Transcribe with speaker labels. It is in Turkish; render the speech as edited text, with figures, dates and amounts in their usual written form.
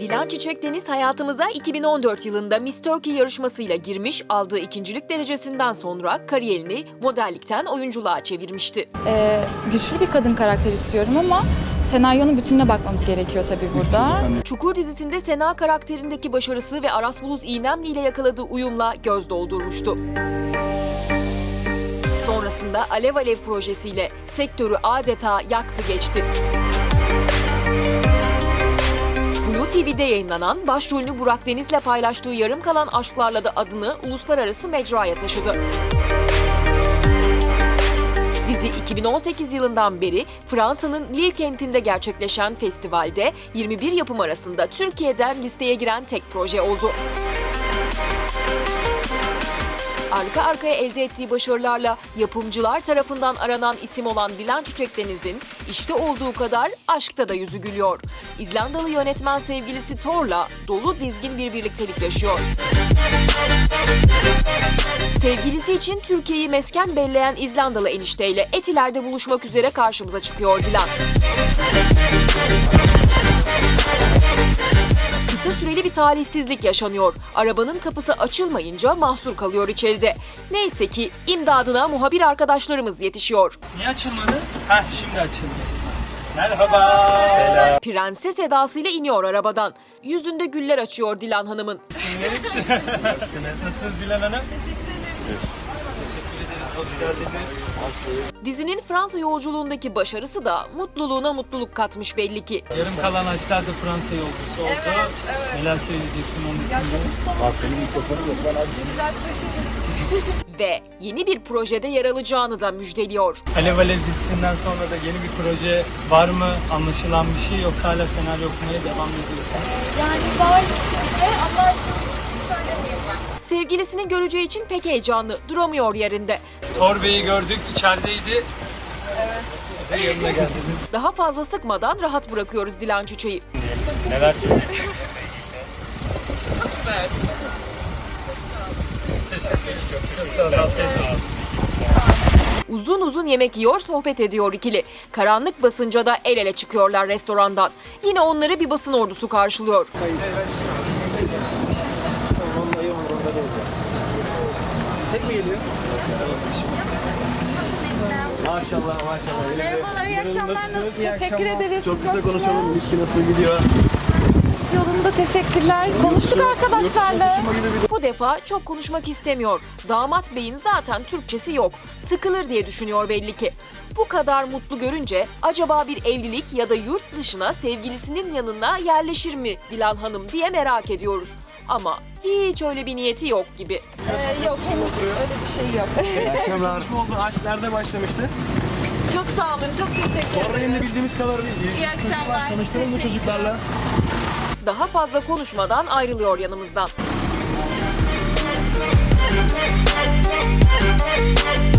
Speaker 1: Dilan Çiçek Deniz hayatımıza 2014 yılında Miss Turkey yarışmasıyla girmiş, aldığı ikincilik derecesinden sonra kariyerini modellikten oyunculuğa çevirmişti.
Speaker 2: Güçlü bir kadın karakter istiyorum ama senaryonun bütününe bakmamız gerekiyor tabii burada.
Speaker 1: Çukur dizisinde Sena karakterindeki başarısı ve Aras Bulut İynemli ile yakaladığı uyumla göz doldurmuştu. Sonrasında Alev Alev projesiyle sektörü adeta yaktı geçti. Blue TV'de yayınlanan, başrolünü Burak Deniz'le paylaştığı Yarım Kalan Aşklarla da adını uluslararası mecraya taşıdı. Dizi 2018 yılından beri Fransa'nın Lille kentinde gerçekleşen festivalde 21 yapım arasında Türkiye'den listeye giren tek proje oldu. Arka arkaya elde ettiği başarılarla yapımcılar tarafından aranan isim olan Dilan Çiçek Deniz'in işte olduğu kadar aşkta da yüzü gülüyor. İzlandalı yönetmen sevgilisi Thor'la dolu dizgin bir birliktelik yaşıyor. Sevgilisi için Türkiye'yi mesken belleyen İzlandalı enişteyle Etiler'de buluşmak üzere karşımıza çıkıyor Dilan. Kısa süreli bir talihsizlik yaşanıyor. Arabanın kapısı açılmayınca mahsur kalıyor içeride. Neyse ki imdadına muhabir arkadaşlarımız yetişiyor.
Speaker 3: Niye açılmadı? Heh, şimdi açıldı. Merhaba.
Speaker 1: Prenses edasıyla iniyor arabadan. Yüzünde güller açıyor Dilan Hanım'ın.
Speaker 3: Nasılsınız Dilan Hanım? Teşekkür ederiz. Hoş geldiniz.
Speaker 1: Dizinin Fransa yolculuğundaki başarısı da mutluluğuna mutluluk katmış belli ki.
Speaker 3: Yarım kalan Aşklar da Fransa yolcusu oldu. Evet. Neler söyleyeceksin onun için de?
Speaker 1: Ve yeni bir projede yer alacağını da müjdeliyor.
Speaker 3: Alev Alev dizisinden sonra da yeni bir proje var mı? Anlaşılan bir şey yoksa hala senaryo okumaya devam ediyorsun?
Speaker 2: Yani var ama şimdi bir şey söylemeyeyim ben.
Speaker 1: Sevgilisini göreceği için pek heyecanlı, duramıyor yerinde.
Speaker 3: Thor Bey'i gördük, içerideydi. Evet. Siz de yanına geldiniz.
Speaker 1: Daha fazla sıkmadan rahat bırakıyoruz Dilan Çiçek'i.
Speaker 3: Neler söyleyeceksin? Evet. Teşekkür ederim. Çok sağ olun. Afiyet olsun.
Speaker 1: Uzun uzun yemek yiyor, sohbet ediyor ikili. Karanlık basınca da el ele çıkıyorlar restorandan. Yine onları bir basın ordusu karşılıyor.
Speaker 4: Tek mi geliyor? Maşallah maşallah.
Speaker 2: Merhabalar, iyi akşamlar. Teşekkür ederiz.
Speaker 4: Çok güzel konuşalım. İlişki nasıl gidiyor?
Speaker 2: Yolunda teşekkürler. Konuştuk arkadaşlarla.
Speaker 1: Bu defa çok konuşmak istemiyor. Damat beyin zaten Türkçesi yok. Sıkılır diye düşünüyor belli ki. Bu kadar mutlu görünce acaba bir evlilik ya da yurt dışına sevgilisinin yanına yerleşir mi Dilan Hanım diye merak ediyoruz. Ama hiç öyle bir niyeti yok gibi.
Speaker 2: Yok, henüz öyle bir şey yok.
Speaker 4: Konuşma oldu. Aşk nerede başlamıştı?
Speaker 2: Çok sağ olun, çok teşekkür
Speaker 4: Sonra
Speaker 2: ederim.
Speaker 4: yine bildiğimiz kadarıyla
Speaker 2: İyi akşamlar.
Speaker 4: Tanıştınız mı çocuklarla?
Speaker 1: Daha fazla konuşmadan ayrılıyor yanımızdan.